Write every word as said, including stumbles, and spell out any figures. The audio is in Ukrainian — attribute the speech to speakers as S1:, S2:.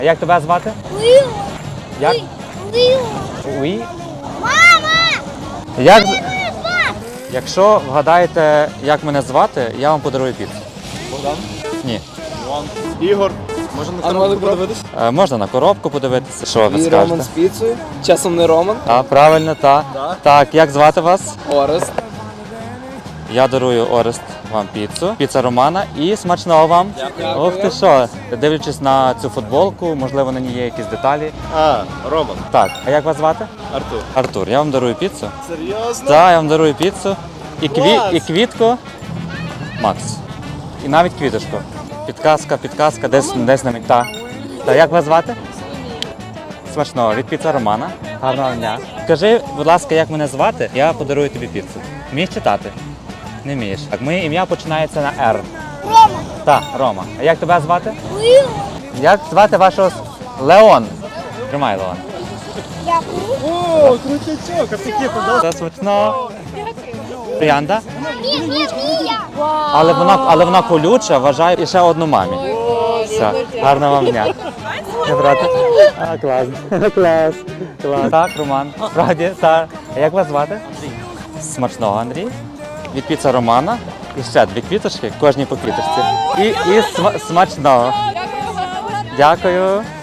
S1: А як тебе звати?
S2: Ліо.
S1: Як?
S2: Ліо.
S1: Уї?
S2: Мама!
S1: Як... Якщо вгадаєте, як мене звати, я вам подарую піцу.
S3: Богдан?
S1: Ні.
S3: Іван. Ігор. Можна на коробку подивитись?
S1: Е, можна на коробку подивитися. Що ви
S4: І
S1: скажете?
S4: Роман з піцею. Часом не Роман.
S1: А, правильно, так.
S3: Так.
S1: Так, як звати вас?
S4: Орест.
S1: Я дарую Орест вам піцу. Піца Романа і смачного вам.
S4: Дякую.
S1: Ох ти що, дивлячись на цю футболку, можливо, на ній є якісь деталі.
S3: А, Роман.
S1: Так, а як вас звати?
S3: Артур.
S1: Артур, я вам дарую піцу.
S3: Серйозно?
S1: Так, я вам дарую піцу. І, кві...
S3: Клас!
S1: і квітку Макс. І навіть квіточку. Підказка, підказка, десь, десь на мета. Так, як вас звати? Смачного, від піца Романа. Гарного дня. Скажи, будь ласка, як мене звати, я подарую тобі піцу. Вмієш читати? Не вмієш. Так, моє ім'я починається на Р.
S2: Рома.
S1: Так, Рома. А як тебе звати?
S2: Ліо.
S1: Як звати вашого с- Леон? Тримай, Леон.
S2: Дякую.
S3: О, крутячок, а такі подав.
S1: Це смачно. Троянда?
S2: Ні, ні, ні, я.
S1: Але вона, але вона колюча, вважаю, і ще одну мамі. Все, гарного вам дня. Не брати? А, клас, клас, клас. Так, Роман, справді, так. А як вас звати? Смачного, Андрій. Від піца Романа. І ще дві квіточки, кожній по квіточці. І, і сма- смачного. Дякую.